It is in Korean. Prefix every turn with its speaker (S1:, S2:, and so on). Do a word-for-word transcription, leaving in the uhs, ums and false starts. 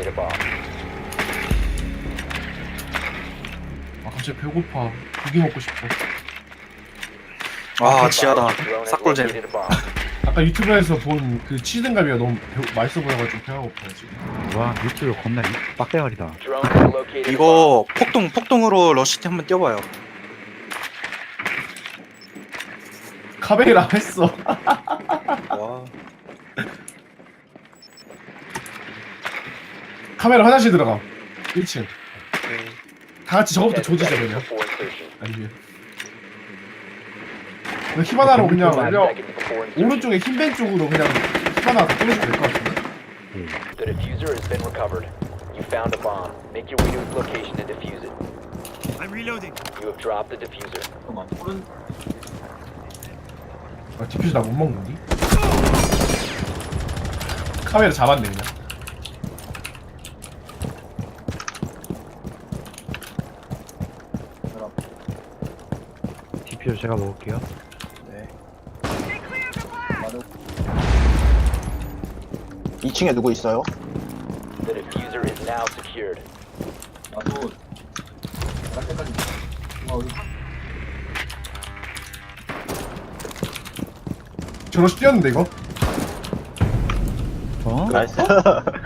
S1: locate a bomb.
S2: 아 갑자기 배고파. 고기 먹고 싶어.
S3: 아 지하다.
S1: Drone has
S3: 싹골잼.
S1: located a bomb.
S2: 아까 유튜브에서 본 그 치즈등갈비가 너무 배, 맛있어 보여가지고 배가 고파요 지금.
S4: 와 유튜브 겁나 빡대가리다.
S1: Drone has located a bomb.
S3: 이거 폭동 폭동으로 러시티 한번 뛰어봐요.
S2: 카베이라 했어.
S3: 와.
S2: 카메라 화장실 들어가. 일 층.
S3: 오케이.
S2: 다 같이 저거부터
S1: ten
S2: 조지자
S1: seconds
S2: 그냥.
S1: before insertion.
S2: 아니면. 그냥 히바나로 그냥
S1: five
S2: 그냥
S1: seconds before insertion.
S2: 오른쪽에 흰벤 쪽으로 그냥 히바나 다 끊어주면 될 것 같은데.
S1: The diffuser has been recovered. You found a bomb. Make your way to its location and defuse it.
S5: I'm reloading.
S1: You have dropped the diffuser.
S2: 아 디퓨즈 나 못 먹는디? 카메라 잡았네 그냥.
S4: 디퓨저 제가 먹을게요.
S3: 네.
S6: 이 층에 누구 있어요?
S1: The diffuser is now secured.
S2: 저러시 뛰었는데 이거?
S4: 어?
S6: 나이스.